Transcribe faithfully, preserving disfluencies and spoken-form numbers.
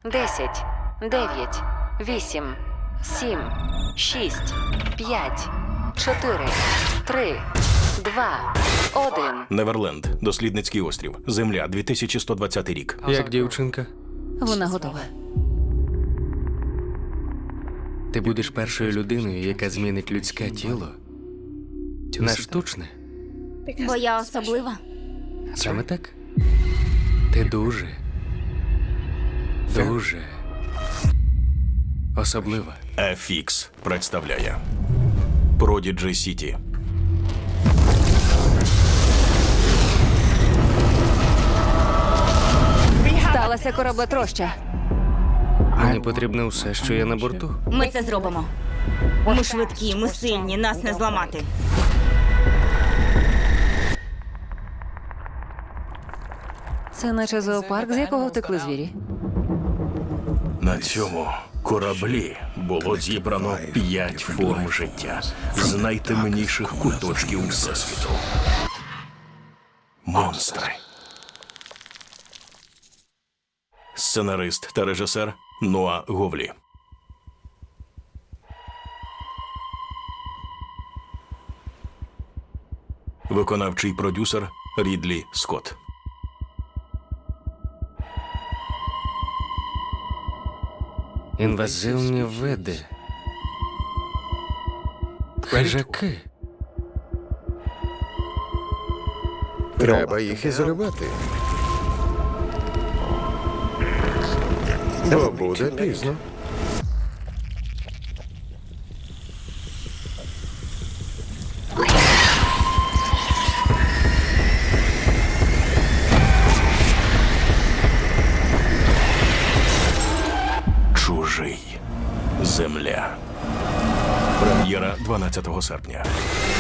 десять, дев'ять, вісім, сім, шість, п'ять, чотири, три, два, один. Неверленд. Дослідницький острів. Земля. дві тисячі сто двадцятий рік. Як дівчинка? Вона готова. Ти будеш першою людиною, яка змінить людське тіло на штучне. Бо я особлива. Саме так? Ти дуже, дуже особлива. еф ікс представляє Prodigy City. Сталася кораблетроща. Мені потрібно все, що є на борту. Ми це зробимо. Ми швидкі, ми сильні, нас не зламати. Це наче зоопарк, з якого втекли звірі. На цьому кораблі було зібрано п'ять форм життя з найтемніших куточків Всесвіту. Монстри. Сценарист та режисер Ноа Говлі. Виконавчий продюсер Рідлі Скотт. Інвазивні види. Хижаки. Треба їх ізолювати. Бо буде пізно. Чужий. Земля. Прем'єра дванадцятого серпня.